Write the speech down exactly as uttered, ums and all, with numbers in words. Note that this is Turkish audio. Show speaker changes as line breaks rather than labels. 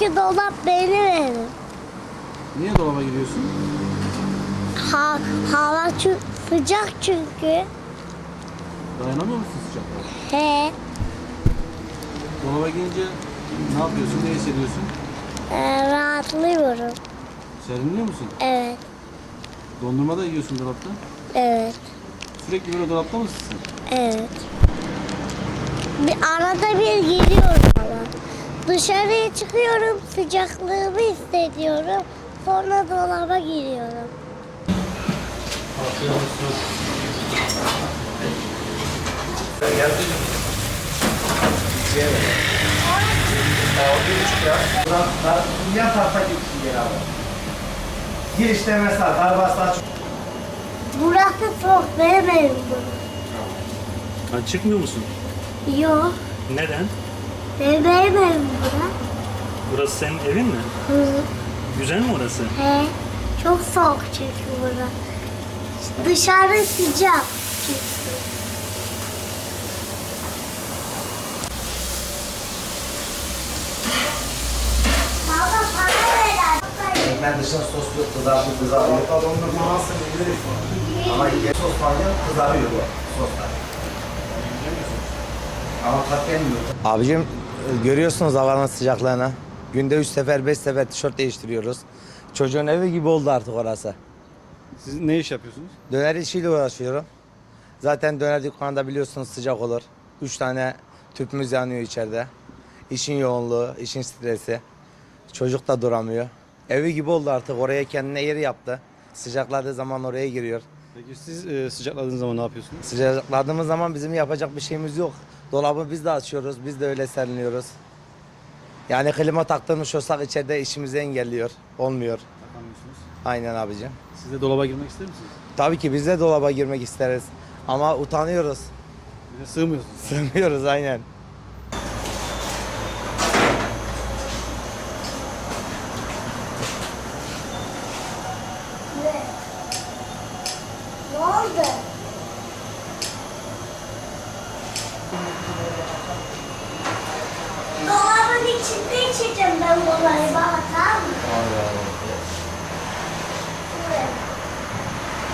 Çünkü dolap benim evim.
Niye dolaba giriyorsun?
Ha, hava çü- sıcak çünkü.
Dayanamıyor musun sıcaklara?
He.
Dolaba girince ne yapıyorsun, ne hissediyorsun?
Ee, rahatlıyorum.
Serinliyor musun?
Evet.
Dondurma da yiyorsun dolapta.
Evet.
Sürekli böyle dolapta mısın sen?
Evet. Bir arada bir giriyorum ama. Dışarıya çıkıyorum, sıcaklığımı hissediyorum. Sonra dolaba giriyorum.
Afiyet olsun.
Yan tarafa gitsin yer abi. Girişte mesela karbaslar çok...
Burası soğuk, benim evim bu.
Ha, çıkmıyor musun?
Yok,
Neden?
benim evim bura.
Burası senin evin mi?
Hı.
Güzel mi orası?
He, çok soğuk çünkü bura. Dışarı sıcak çünkü. Baba para ver.
Ekmek dışına sos yok, kızartıyor, kızarıyor. Dondurma nasıl biliriz. Ama ye sos var ya, kızarıyor bu soslar. Ama tat gelmiyor. Abicim görüyorsunuz havanın sıcaklığını. Günde üç sefer, beş sefer tişört değiştiriyoruz. Çocuğun evi gibi oldu artık orası.
Siz ne iş yapıyorsunuz?
Döner işiyle uğraşıyorum. Zaten döner dükkanında biliyorsunuz sıcak olur. Üç tane tüpümüz yanıyor içeride. İşin yoğunluğu, işin stresi. Çocuk da duramıyor. Evi gibi oldu artık. Oraya kendine yeri yaptı. Sıcakladığı zaman oraya giriyor.
Peki siz e, sıcakladığınız zaman ne yapıyorsunuz?
Sıcakladığımız zaman bizim yapacak bir şeyimiz yok. Dolabı biz de açıyoruz. Biz de öyle serinliyoruz. Yani klima taktırmış olsak içeride işimizi engelliyor. Olmuyor.
Takamıyorsunuz.
Aynen abicim.
Siz de dolaba girmek ister misiniz?
Tabii ki biz de dolaba girmek isteriz. Ama utanıyoruz.
Bir de sığmıyorsunuz.
Sığmıyoruz aynen.
Ne oldu? Dolabın içinde içeceğim ben kolayı bana, tamam mı?
Allah Allah.